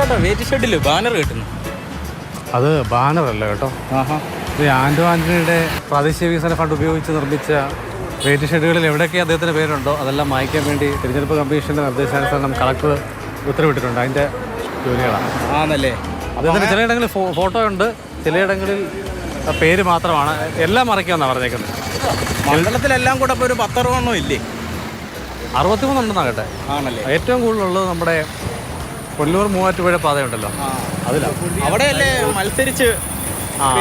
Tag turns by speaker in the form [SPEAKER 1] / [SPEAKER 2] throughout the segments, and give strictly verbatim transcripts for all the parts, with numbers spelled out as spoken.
[SPEAKER 1] ഇതെന്താ wait ഷെഡില് banner കിട്ടുന്നു?
[SPEAKER 2] അത് ബാനറല്ല കേട്ടോ. ഇത് ആൻഡോ ആൻ്റണിയുടെ പ്രാദേശിക വികസന ഫണ്ട് ഉപയോഗിച്ച് നിർമ്മിച്ച വെയിറ്റ് ഷെഡുകളിൽ എവിടെയൊക്കെ അദ്ദേഹത്തിൻ്റെ പേരുണ്ടോ അതെല്ലാം മായ്ക്കാൻ വേണ്ടി തിരഞ്ഞെടുപ്പ് കമ്മീഷൻ്റെ നിർദ്ദേശാനുസരണം കളക്ടർ ഉത്തരവിട്ടിട്ടുണ്ട്. അതിൻ്റെ ജോലികളാണ്
[SPEAKER 1] ആണല്ലേ.
[SPEAKER 2] അദ്ദേഹത്തിന് ചിലയിടങ്ങളിൽ ഫോട്ടോ ഉണ്ട്, ചിലയിടങ്ങളിൽ പേര് മാത്രമാണ്. എല്ലാം മറയ്ക്കാമെന്നാണ് പറഞ്ഞേക്കുന്നത്.
[SPEAKER 1] മണ്ഡലത്തിലെല്ലാം കൂടെ ഇപ്പോൾ ഒരു പത്തറുപണ്ണം ഇല്ലേ?
[SPEAKER 2] അറുപത്തിമൂന്നുണ്ടെന്നാണ് കേട്ടെ.
[SPEAKER 1] ആണല്ലേ.
[SPEAKER 2] ഏറ്റവും കൂടുതലുള്ളത് നമ്മുടെ കൊല്ലൂർ മൂവാറ്റുപുഴ പാതയുണ്ടല്ലോ, അതിലാണ്.
[SPEAKER 1] അവിടെയല്ലേ മത്സരിച്ച്
[SPEAKER 2] അതെ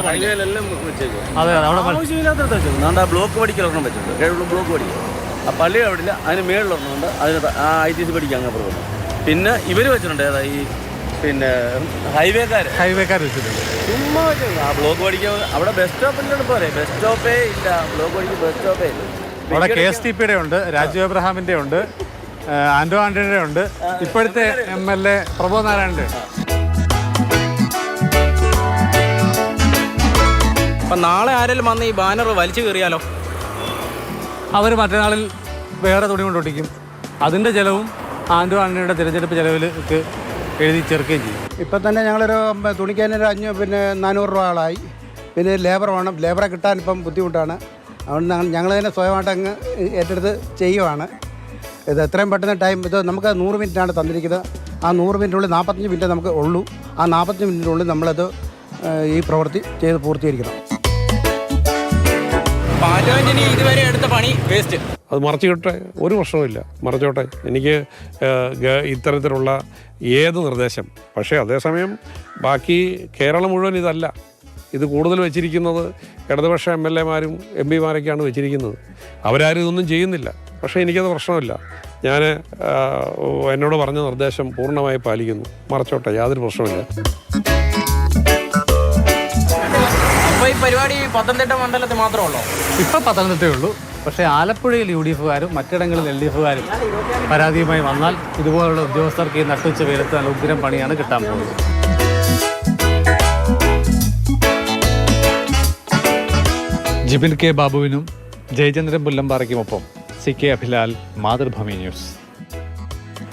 [SPEAKER 2] അവിടെ
[SPEAKER 3] ആവശ്യമില്ലാത്ത ബ്ലോക്ക് പഠിക്കലൊരെണ്ണം വെച്ചിട്ടുണ്ട്. ബ്ലോക്ക് പഠിക്കുക ആ പള്ളി അവിടെ അതിന് മേളിലൊരെണ്ണമുണ്ട്. അതിന് ആ ഐ ടി സി പഠിക്കാൻ അങ്ങനെ പോകുന്നു. പിന്നെ ഇവർ വെച്ചിട്ടുണ്ട് ഏതാ ഈ പിന്നെ ഹൈവേക്കാർ
[SPEAKER 2] ഹൈവേക്കാർ വെച്ചിട്ടുണ്ട്.
[SPEAKER 3] ചുമ്മാ വെച്ചിട്ടുണ്ട്. ആ ബ്ലോക്ക് പഠിക്കാൻ അവിടെ ബസ് സ്റ്റോപ്പിൻ്റെ പോരെ, ബസ് സ്റ്റോപ്പേ ഇല്ല. ബ്ലോക്ക് പഠിക്കാൻ ബസ് സ്റ്റോപ്പേ ഇല്ല.
[SPEAKER 2] അവിടെ കെ എസ് ടി പിയുടെ ഉണ്ട്, രാജു എബ്രഹാമിൻ്റെ ഉണ്ട്, ആൻഡോ ആൻ്റണിയുടെ ഉണ്ട്, ഇപ്പോഴത്തെ എം എൽ എ പ്രഭു നാരായണൻ്റെ.
[SPEAKER 1] അപ്പം നാളെ ആരെങ്കിലും വന്ന് ഈ ബാനർ വലിച്ചു കയറിയാലോ?
[SPEAKER 2] അവർ മറ്റന്നാളിൽ വേറെ തുണി കൊണ്ടൊട്ടിക്കും. അതിൻ്റെ ചിലവും ആൻഡോ ആൻ്റണിയുടെ തിരഞ്ഞെടുപ്പ് ചിലവിൽ എഴുതി ചേർക്കുകയും ചെയ്യും.
[SPEAKER 4] ഇപ്പം തന്നെ ഞങ്ങളൊരു തുണിക്കാനൊരു അഞ്ഞൂറ് പിന്നെ നാനൂറ് രൂപ ആളായി. പിന്നെ ലേബർ വേണം, ലേബറെ കിട്ടാൻ ഇപ്പം ബുദ്ധിമുട്ടാണ്. അതുകൊണ്ട് ഞങ്ങൾ തന്നെ സ്വയമായിട്ട് അങ്ങ് ഏറ്റെടുത്ത് ചെയ്യുവാണ്. ഇത് എത്രയും പെട്ടെന്ന് ടൈം ഇത് നമുക്ക് നൂറ് മിനിറ്റാണ് തന്നിരിക്കുന്നത്. ആ നൂറ് മിനിറ്റിനുള്ളിൽ നാൽപ്പത്തഞ്ച് മിനിറ്റ് നമുക്ക് ഉള്ളൂ. ആ നാൽപ്പത്തഞ്ച് മിനിറ്റിനുള്ളിൽ നമ്മളത് ഈ പ്രവൃത്തി ചെയ്ത് പൂർത്തീകരിക്കണം.
[SPEAKER 1] പാലോന്റിന് ഇതുവരെ എടുത്ത പണി വേസ്റ്റ്.
[SPEAKER 5] അത് മറച്ചുകിട്ടെ, ഒരു പ്രശ്നവുമില്ല, മറച്ചോട്ടെ. എനിക്ക് ഇത്തരത്തിലുള്ള ഏത് നിർദ്ദേശം, പക്ഷേ അതേസമയം ബാക്കി കേരളം മുഴുവൻ ഇതല്ല. ഇത് കൂടുതൽ വെച്ചിരിക്കുന്നത് ഇടതുപക്ഷ എം എൽ എമാരും എം പിമാരൊക്കെയാണ് വെച്ചിരിക്കുന്നത്. അവരാരും ഇതൊന്നും ചെയ്യുന്നില്ല. പക്ഷേ എനിക്കത് പ്രശ്നമില്ല. ഞാൻ എന്നോട് പറഞ്ഞ നിർദ്ദേശം പൂർണ്ണമായി പാലിക്കുന്നു. മറച്ചോട്ടെ, യാതൊരു പ്രശ്നമില്ല.
[SPEAKER 1] അപ്പോൾ ഈ പരിപാടി പത്തനംതിട്ട മണ്ഡലത്തിൽ മാത്രമേ ഉള്ളൂ?
[SPEAKER 2] ഇപ്പം പത്തനംതിട്ടയേ ഉള്ളൂ. പക്ഷേ ആലപ്പുഴയിൽ യു ഡി എഫുകാരും മറ്റിടങ്ങളിൽ എൽ ഡി എഫുകാരും പരാതിയുമായി വന്നാൽ ഇതുപോലുള്ള ഉദ്യോഗസ്ഥർക്ക് ഈ നട്ടുച്ച വെയിലത്ത് നല്ല ഉഗ്രം പണിയാണ് കിട്ടാൻ പോകുന്നത്. ജിബിൻ കെ ബാബുവിനും ജയചന്ദ്രൻ പുല്ലമ്പാറയ്ക്കുമൊപ്പം C K Abhilal, Mathrubhumi news.